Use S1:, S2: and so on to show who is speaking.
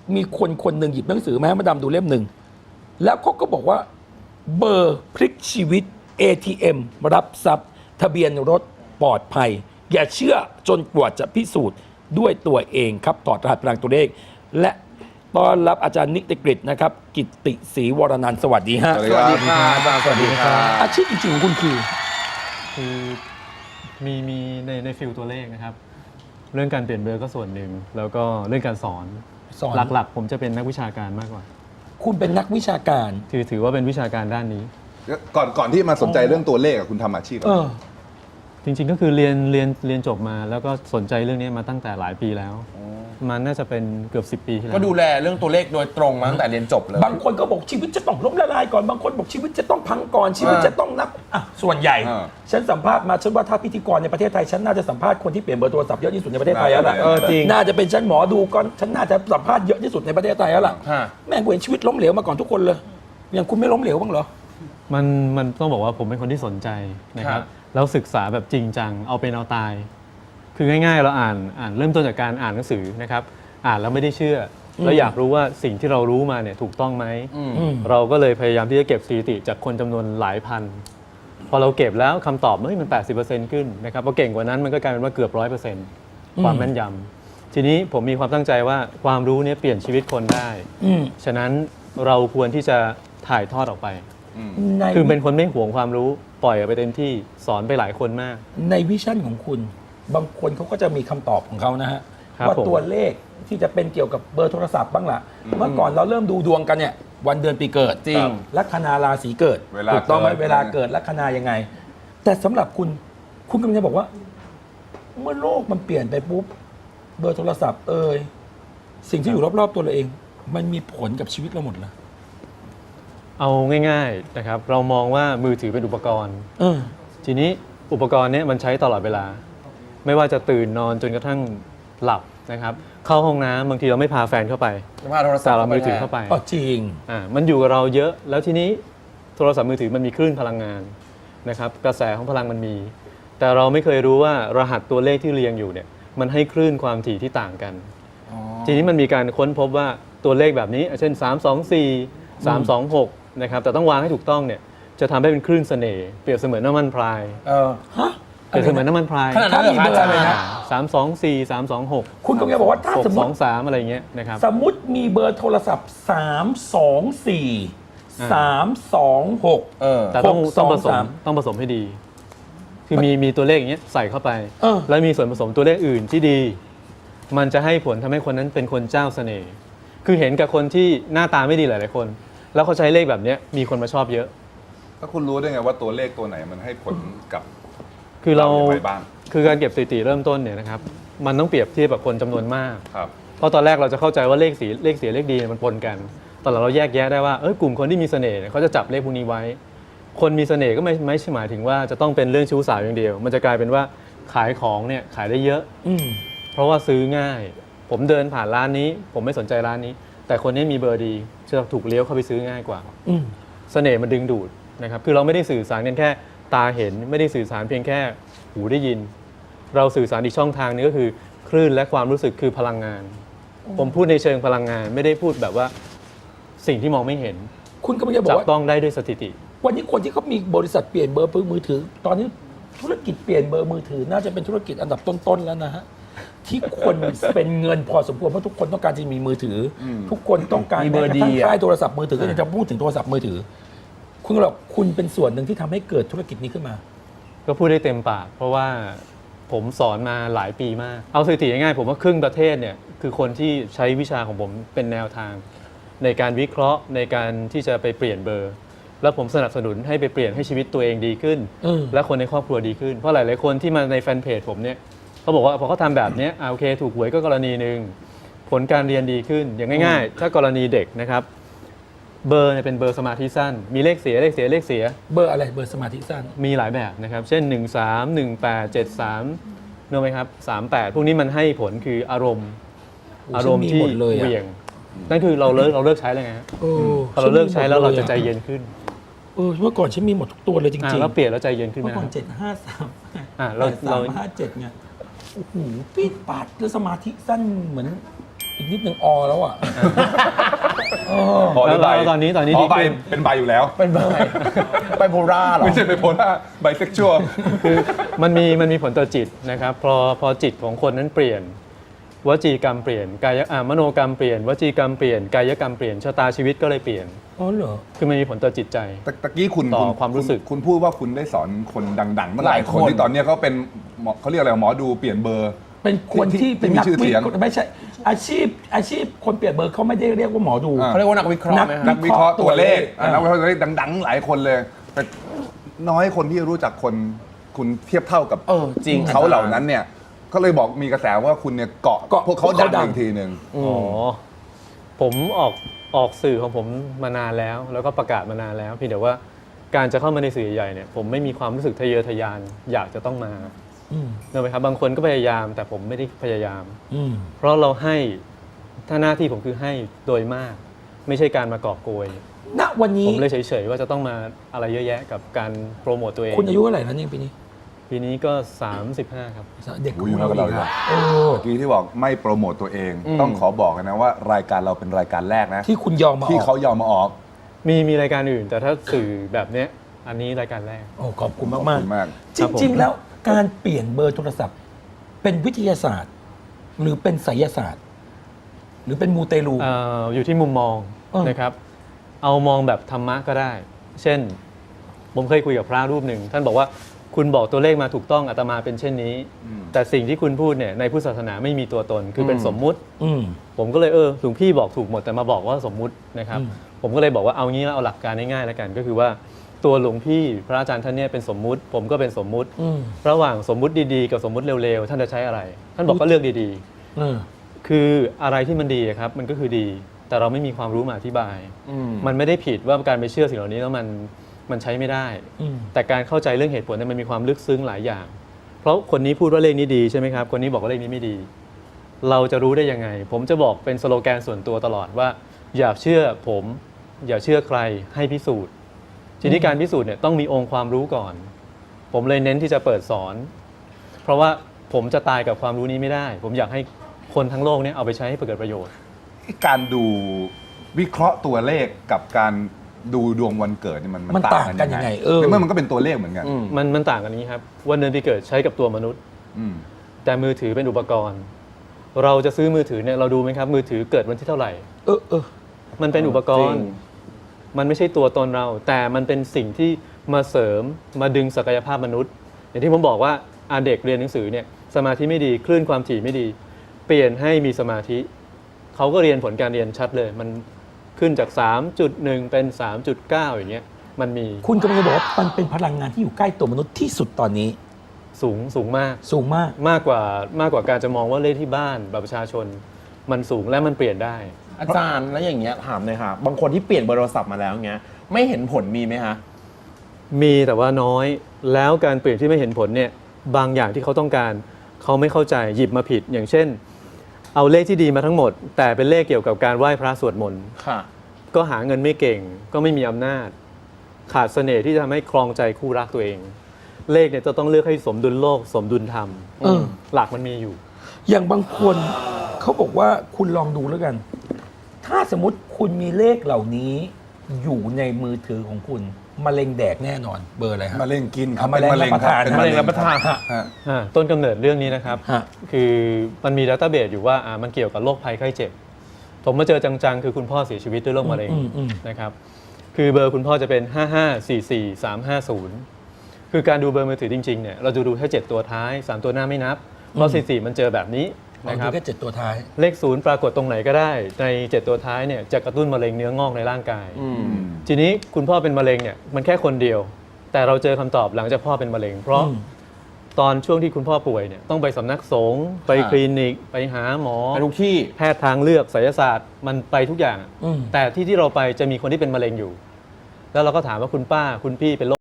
S1: มีคนคนหนึ่งหยิบหนังสือมาให้มาดำดูเล่มหนึ่งแล้วเขาก็บอกว่าเบอร์พลิกชีวิต ATM รับทรัพย์ทะเบียนรถปลอดภัย อย่าเชื่อจนกว่าจะพิสูจน์ด้วยตัวเองครับถอดรหัสพลังตัวเลข และต้อนรับอาจารย์นิติกฤษนะครับ กิตติศรีวรนันท์สวัสดีฮะ
S2: สวัสดีครับสวัสดีครับ
S1: อาชีพจริงๆของคุณคือ
S3: คือมีในฟิลตัวเลขนะครับ เรื่องการเปลี่ยนเบอร์ก็ส่วนหนึ่ง แล้วก็เรื่องการสอน
S1: สอน
S3: หลักๆ ผมจะเป็นนักวิชาการมากกว่า
S1: คุณเป็นนักวิชาการ
S3: ถือว่าเป็นวิชาการด้านนี้
S2: ก่อนที่มาสนใจเรื่องตัวเลขอะคุณทำอาชีพอะไร
S3: จริงๆก็คือเรียนจบมาแล้วก็สนใจเรื่องนี้มาตั้งแต่หลายปีแล้ว มันน่าจะเป็นเกือบ10 ปีที่แล้ว
S4: ก็ดูแลเรื่องตัวเลขโดยตรงมาตั้งแต่เรียนจบเลย
S1: บางคนก็บอกชีวิตจะต้องล้มละลายก่อน บางคนบอกชีวิตจะต้องพังก่อน ชีวิตจะต้องนับอ่ะส่วนใหญ่ ฉันสัมภาษณ์มาฉันว่าถ้าพิธีกรในประเทศไทยฉันน่าจะสัมภาษณ์คนที่เปลี่ยนเบอร์โทรศัพท์เยอะที่สุดในประเทศไทยแล้วล่ะ
S4: จริง
S1: น่าจะเป็นฉันหมอดูก่อนฉันน่าจะสัมภาษณ์เยอะที่สุดในประเทศไทยแล้วล่ะ
S4: ฮะ
S1: แม่งกูเห็นชีวิตล้มเหลวมาก่อนทุกคนเลยอย่างคุณไม่ล้มเหลวบ้างเหรอ
S3: มันต้องบอกว่าผมเป็นคนที่สนใจนะครับ แล้วศึกษาแบบจริงจังเอาเป็นเอาตาย คือง่ายๆเราอ่านเริ่มต้นจากการอ่านหนังสือนะครับ อ่านแล้วไม่ได้เชื่อแล้วอยากรู้ว่าสิ่งที่เรารู้มาเนี่ยถูกต้องไหม เราก็เลยพยายามที่จะเก็บสถิติจากคนจำนวนหลายพัน พอเราเก็บแล้วคำตอบมัน 80% ขึ้นนะครับพอเก่งกว่านั้นมันก็กลายเป็นว่าเกือบ 100%ความแม่นยำทีนี้ผมมีความตั้งใจว่าความรู้เนี่ยเปลี่ยนชีวิตคนได้ ฉะนั้นเราควรที่จะถ่ายทอดออกไป
S1: ใน
S3: คือเป็นคนไม่หวงความรู้ปล่อยออกไปเต็มที่สอนไปหลายคนมาก
S1: ในวิชั่นของคุณ บางคนเขาก็จะมีคำตอบของเขานะฮะ
S3: ครับ
S1: ว่า
S3: ผม
S1: ตัวเลขที่จะเป็นเกี่ยวกับเบอร์โทรศัพท์บ้างล่ะ เมื่อก่อนเราเริ่มดูดวงกันเนี่ยวันเดือนปีเกิด
S4: จริง
S1: ลัคนาราศีเกิด
S2: เวลา
S1: ถูกต้องไหม
S2: เกิด
S1: เวลาเกิดลัคนายังไง แต่สำหรับคุณกำลังจะบอกว่า เมื่อโลกมันเปลี่ยนไปปุ๊บเบอร์โทรศัพท์สิ่งที่อยู่รอบๆตัวเราเอง มันมีผลกับชีวิตเราหมดเลย
S3: เอาง่ายๆนะครับเรามองว่ามือถือเป็นอุปกรณ์ ทีนี้อุปกรณ์เนี้มันใช้ตลอดเวลา ไม่ว่าจะตื่นนอนจนกระทั่งหลับนะครับเข้าห้องน้ำบางทีเราไม่พาแฟนเข้าไป
S4: จะพาโทรศัพ
S3: แต่
S4: ท์
S3: เรามือถือเข้าไป
S1: อ๋อจริง
S3: มันอยู่กับเราเยอะ แล้วทีนี้โทรศัพท์มือถือมันมีคลื่นพลังงานนะครับกระแสของพลังมันมี แต่เราไม่เคยรู้ว่ารหัสตัวเลขที่เรียงอยู่เนี่ยมันให้คลื่นความถี่ที่ต่างกัน ทีนี้มันมีการค้นพบว่าตัวเลขแบบนี้เช่น 324 326นะครับแต่ต้องวางให้ถูกต้องเนี่ยจะทำให้เป็นคลื่นเสน่ห์เปรียบเสมือนน้ำมันพราย
S1: ฮะ
S3: เปรียบเสมือนน้ำมันพราย
S4: ขนาดนั้นเหรอ
S1: ถ้ามีเบอร์
S4: อาจาร
S1: อะไร
S4: ย์
S1: นะ
S3: 324 326
S1: คุณกำลังจะบอกว่าถ้าสมมติ
S3: 623อะไรเงี้ยนะครับ
S1: สมมติมีเบอร์โทรศัพท์ 324 326
S3: แต่ต้อง
S1: 623
S3: ผสมให้ดี คือมีตัวเลขอย่างเงี้ยใส่เข้าไป
S1: เออ
S3: แล้วมีส่วนผสมตัวเลขอื่นที่ดี มันจะให้ผลทำให้คนนั้นเป็นคนเจ้าเสน่ห์คือเห็นกับคนที่หน้าตาไม่ดีหลายๆคน แล้วเขาใช้เลขแบบเนี้ยมีคนมาชอบเยอะ
S2: ถ้าคุณรู้ได้ไงว่าตัวเลขตัวไหนมันให้ผลกับ
S3: คือเรา
S2: อย่างไรบ้าง
S3: คือการเก็บสถิติเริ่มต้นเนี่ยนะครับมันต้องเปรียบเทียบกับคนจำนวนมาก
S2: ครับ
S3: เพราะตอนแรกเราจะเข้าใจว่าเลขเสียเลขดีมันปนกัน ตอนหลังเราแยกแยะได้ว่ากลุ่มคนที่มีเสน่ห์เนี่ยเขาจะจับเลขพวกนี้ไว้ คนมีเสน่ห์ก็ไม่ใช่หมายถึงว่าจะต้องเป็นเรื่องชู้สาวอย่างเดียว มันจะกลายเป็นว่าขายของเนี่ยขายได้เยอะ เพราะว่าซื้อง่าย ผมเดินผ่านร้านนี้ ผมไม่สนใจร้านนี้ แต่คนนี้มีเบอร์ดีจะถูกเลี้ยวเข้าไปซื้อง่ายกว่า เสน่ห์มันดึงดูดนะครับ คือเราไม่ได้สื่อสารกันแค่ตาเห็น ไม่ได้สื่อสารเพียงแค่หูได้ยิน เราสื่อสารอีกช่องทางนึงก็คือคลื่นและความรู้สึกคือพลังงาน ผมพูดในเชิงพลังงาน ไม่ได้พูดแบบว่าสิ่งที่มองไม่เห็น
S1: คุณกำลังจะบอ
S3: จั
S1: ก
S3: บ
S1: ว่า
S3: ต้องได้ด้วยสถิติ
S1: วันนี้คนที่เขามีบริษัทเปลี่ยนเบอร์มือถือ ตอนนี้ธุรกิจเปลี่ยนเบอร์มือถือ น่าจะเป็นธุรกิจอันดับต้นๆแล้วนะฮะที่คนเป็นเงินพอสมควรเพราะทุกคนต้องการจะมีมือถืออทุกคนต้องการ
S4: มีเบอร์
S1: แม้กระทั่ง
S4: ดีอะ
S1: ค่ายโทรศัพท์มือถือก็ยังจะพูดถึงโทรศัพท์มือถือ คุณก็บอกคุณเป็นส่วนหนึ่งที่ทำให้เกิดธุรกิจนี้ขึ้นมา
S3: ก็พูดได้เต็มปาก เพราะว่าผมสอนมาหลายปีมาก เอาสถิติง่ายๆผมว่าครึ่งประเทศเนี่ยคือคนที่ใช้วิชาของผมเป็นแนวทาง ในการวิเคราะห์ในการที่จะไปเปลี่ยนเบอร์ แล้วผมสนับสนุนให้ไปเปลี่ยนให้ชีวิตตัวเองดีขึ้น และคนในครอบครัวดีขึ้น เพราะหลายๆคนที่มาในแฟนเพจผมเนี่ยเขาบอกว่าพอเขาทำแบบเนี้ยโอเค ถูกหวยก็กรณีหนึ่งผลการเรียนดีขึ้นอย่างง่ายๆ ถ้ากรณีเด็กนะครับเบอร์เนี่ยเป็นเบอร์สมาธิสั้น มีเลขเสียเลขเสีย
S1: เบอร์อะไรเบอร์สมาธิสั้น
S3: มีหลายแบบนะครับ เช่น 1 3 1 8 7 3รู้ไหมครับ 38 พวกนี้มันให้ผลคืออารมณ์
S1: โอ้
S3: อารมณ์ที่
S1: ฉันมีหมดเลยอะ
S3: เหวี่ยง นั่นคือเราเลิกใช้เลยไงฮะพอเราเลิกใช้แล้วเราจะใจเย็นขึ้น
S1: เมื่อก่อนฉันมีหมดทุกตัวเลยจริง
S3: แล้วเปลี่ยนแล้วใจเย็นขึ้นไหม
S1: เมื่อก่อน
S3: อ่า
S1: 753
S3: เรา
S1: 8357ไงโอ้โหปีดปาดแล้วสมาธิสั้นเหมือนอีกนิดนึงอแล้วอ่ะ
S2: พอหรือใบ
S3: แล้วตอนนี้
S2: อ๋อ
S3: ดี
S2: ใบ
S3: ขึ้น
S2: เป็นใบอยู่แล้ว
S4: เป็นไบโพล่าเหรอ
S2: ไม่ใช่ไบโพล่าไบเซ็กชวล
S3: คือมันมีผลต่อจิตนะครับพอจิตของคนนั้นเปลี่ยนวจีกรรมเปลี่ยนกายมโนกรรมเปลี่ยนวจีกรรมเปลี่ยนกายกรรมเปลี่ยนชะตาชีวิตก็เลยเปลี่ยน
S1: อ๋อเหรอ
S3: คือมันมีผลต่อจิตใจ
S2: ตะกี้คุณ
S3: ต่อความรู้สึก
S2: คุณพูดว่าคุณได้สอนคนดังๆมาหลายคน
S4: หลายคน
S2: ที่ตอนเนี้ยเขาเป็นหมอเขาเรียกอะไรหมอดูเปลี่ยนเบอร์
S1: เป็นคนที่เป็น
S2: มี
S1: นัก
S2: ชื่อ
S1: วิ
S2: เสียง
S1: เคราะห์ไม่ใช่อาชีพคนเปลี่ยนเบอร์เขาไม่ได้เรียกว่าหมอดู
S2: อ่า
S4: เขาเรียกว่านักวิเคราะห์ไหม
S1: นั
S4: ครั
S2: นั
S4: บ
S2: กวิเคราะห์ตัวเลข
S1: อ่า
S2: นักวิเคราะห์ตัวเลขดังๆ หลายคนเลยแต่น้อยคนที่รู้จักคนคุณเทียบเท่ากับ
S4: จริง
S2: เขาเหล่านั้นเนี่ยก็เลยบอกมีกระแสว่าคุณเนี่ยเกาะพวกเขาดังอีกทีหนึ่ง
S3: อ๋อผมออกสื่อของผมมานานแล้ว แล้วก็ประกาศมานานแล้วเพียงแต่ว่าการจะเข้ามาในสื่อใหญ่เนี่ยผมไม่มีความรู้สึกทะเยอทะยานอยากจะต้องมา
S1: อืม
S3: เนอะไหมครับบางคนก็พยายามแต่ผมไม่ได้พยายาม
S1: อืม
S3: เพราะเราให้ถ้าหน้าที่ผมคือให้โดยมาก ไม่ใช่การมากอบโกย
S1: ณวันนี้
S3: ผมเลยเฉยๆว่าจะต้องมาอะไรเยอะแยะกับการโปรโมตตัวเอง
S1: คุณอายุเท่าไหร่แล้วเนี่ยปีนี้
S3: ปีนี้ก็ 35 ครับ
S1: เด็ก
S2: โอ้ยอยู่เท่ากับเราเลย
S1: เออ
S2: เมื่อกี้ที่บอกไม่โปรโมตตัวเอง ต้องขอบอกกันนะว่ารายการเราเป็นรายการแรกนะ
S1: ที่คุณยอมมาอ
S2: ที่
S1: อก
S2: เขายอมมาออก
S3: มีรายการอื่น แต่ถ้าสื่อแบบเนี้ยอันนี้รายการแรก
S1: โอ้ขอบคุณ
S2: ขอบ
S1: มาก
S2: คุณมาก
S1: ๆ
S3: ครับผม
S1: จริง ๆ แล้วการเปลี่ยนเบอร์โทรศัพท์ เป็นวิทยาศาสตร์ หรือเป็นไสยศาสตร์ หรือเป็นมูเตลู
S3: อยู่ที่มุมมอง
S1: เออ
S3: นะครับ เอามองแบบธรรมะก็ได้ เช่น ผมเคยคุยกับพระรูปหนึ่ง ท่านบอกว่าคุณบอกตัวเลขมาถูกต้องอาตมาเป็นเช่นนี้ แต่สิ่งที่คุณพูดเนี่ยในพุทธศาสนาไม่มีตัวตนคือเป็นสมมุติ
S1: อืม
S3: ผมก็เลยหลวงพี่บอกถูกหมดแต่มาบอกว่าสมมุตินะครับ
S1: อืม
S3: ผมก็เลยบอกว่าเอางี้แล้วเอาหลักการง่ายๆแล้วกัน ก็คือว่าตัวหลวงพี่พระอาจารย์ท่านเนี่ยเป็นสมมุติ ผมก็เป็นสมมุติ
S1: อืม
S3: ระหว่างสมมุติดีๆกับสมมุติเร็วๆท่านจะใช้อะไร ท่านบอกก็เลือกดี
S1: เออ
S3: ๆ คืออะไรที่มันดีอะครับมันก็คือดี แต่เราไม่มีความรู้มาอธิบาย มันไม่ได้ผิดว่าการไปเชื่อสิ่งเหล่านี้แล้วมันใช้ไม่ได้
S1: อืม
S3: แต่การเข้าใจเรื่องเหตุผลเนี่ยมันมีความลึกซึ้งหลายอย่าง เพราะคนนี้พูดว่าเลขนี้ดีใช่ไหมครับ คนนี้บอกว่าเลขนี้ไม่ดี เราจะรู้ได้ยังไง ผมจะบอกเป็นสโลแกนส่วนตัวตลอดว่า อย่าเชื่อผม อย่าเชื่อใครให้พิสูจน์ ทีนี้การพิสูจน์เนี่ยต้องมีองค์ความรู้ก่อน ผมเลยเน้นที่จะเปิดสอน เพราะว่าผมจะตายกับความรู้นี้ไม่ได้ ผมอยากให้คนทั้งโลกเนี่ยเอาไปใช้ให้เกิดประโยชน์
S2: การดูวิเคราะห์ตัวเลขกับการดูดวงวันเกิดนี่มัน
S1: มันต่างกันยังไง
S2: ในเมื่อมันก็เป็นตัวเลขเหมือนกัน
S3: มันต่างกันนี้ครับวันเดือนปีเกิดใช้กับตัวมนุษย์
S2: อืม
S3: แต่มือถือเป็นอุปกรณ์ เราจะซื้อมือถือเนี่ยเราดูไหมครับ มือถือเกิดวันที่เท่าไหร่
S1: เออ
S3: มันเป็นอุปกรณ์
S4: จริง
S3: มันไม่ใช่ตัวตนเรา แต่มันเป็นสิ่งที่มาเสริมมาดึงศักยภาพมนุษย์ อย่างที่ผมบอกว่าเด็กเรียนหนังสือเนี่ยสมาธิไม่ดีคลื่นความถี่ไม่ดี เปลี่ยนให้มีสมาธิ เขาก็เรียนผลการเรียนชัดเลย มันขึ้นจาก 3.1 เป็น 3.9 อย่างเงี้ยมันมี
S1: คุณกำลังจะบอกว่ามันเป็นพลังงานที่อยู่ใกล้ตัวมนุษย์ที่สุดตอนนี้
S3: สูงมาก
S1: สูงมาก
S3: มากกว่าการจะมองว่าเลขที่บ้านบัตรประชาชน มันสูงและมันเปลี่ยนได้
S4: อาจารย์แล้วอย่างเงี้ยถามเลยค่ะ บางคนที่เปลี่ยนเบอร์โทรศัพท์มาแล้วเงี้ยไม่เห็นผลมีไหมคะ
S3: มีแต่ว่าน้อยแล้วการเปลี่ยนที่ไม่เห็นผลเนี่ยบางอย่างที่เขาต้องการเขาไม่เข้าใจหยิบมาผิด อย่างเช่น เอาเลขที่ดีมาทั้งหมด แต่เป็นเลขเกี่ยวกับการไหว้พระสวดมนต์
S4: ค่ะ
S3: ก็หาเงินไม่เก่ง ก็ไม่มีอำนาจ ขาดเสน่ห์ที่จะทำให้ครองใจคู่รักตัวเอง เลขเนี่ยจะต้องเลือกให้สมดุลโลก สมดุลธรรม
S1: เออ
S3: หลักมันมีอยู่
S1: อย่างบางคนเขาบอกว่าคุณลองดูแล้วกัน ถ้าสมมติคุณมีเลขเหล่านี้อยู่ในมือถือของคุณมะเร็งแดกแน่นอนเบอร์อะไรฮะ
S2: มะเร็งกินครับ
S1: มะเร็ง
S2: เป็น
S1: รับประทาน
S2: เป็น
S4: มะเร็งรับประทาน
S2: ฮะ
S3: ต้นกำเนิดเรื่องนี้นะครับ
S1: ฮะ
S3: คือมันมีดัตต้าเบสอยู่ว่ามันเกี่ยวกับโรคภัยไข้เจ็บ ผมมาเจอจังๆ คือคุณพ่อเสียชีวิตด้วยโรคมะเร็ง
S1: อืม
S3: นะครับ คือเบอร์คุณพ่อจะเป็น 5544350 คือการดูเบอร์มือถือจริงๆ เนี่ยเราจะดูแค่7ตัวท้าย 3 ตัวหน้าไม่นับ เพราะ44มันเจอแบบนี้
S1: นะ
S3: นะ
S1: ค
S3: ค
S1: รั
S3: รั
S1: บบ แค่7ตัวท้าย
S3: เลข0ปรากฏตรงไหนก็ได้ ใน 7 ตัวท้ายเนี่ยจะกระตุ้นมะเร็งเนื้องอกในร่างกาย ทีนี้คุณพ่อเป็นมะเร็งเนี่ยมันแค่คนเดียว แต่เราเจอคำตอบหลังจากพ่อเป็นมะเร็ง เพราะ
S1: อืม
S3: ตอนช่วงที่คุณพ่อป่วยเนี่ยต้องไปสำนักสงฆ์ไปคลินิก ไปหาหมอ
S4: ไปทุกที่
S3: แพทย์ทางเลือกไสยศาสตร์มันไปทุกอย่าง
S1: อืม
S3: แต่ที่เราไปจะมีคนที่เป็นมะเร็งอยู่ แล้วเราก็ถามว่าคุณป้าคุณพี่เป็นโรค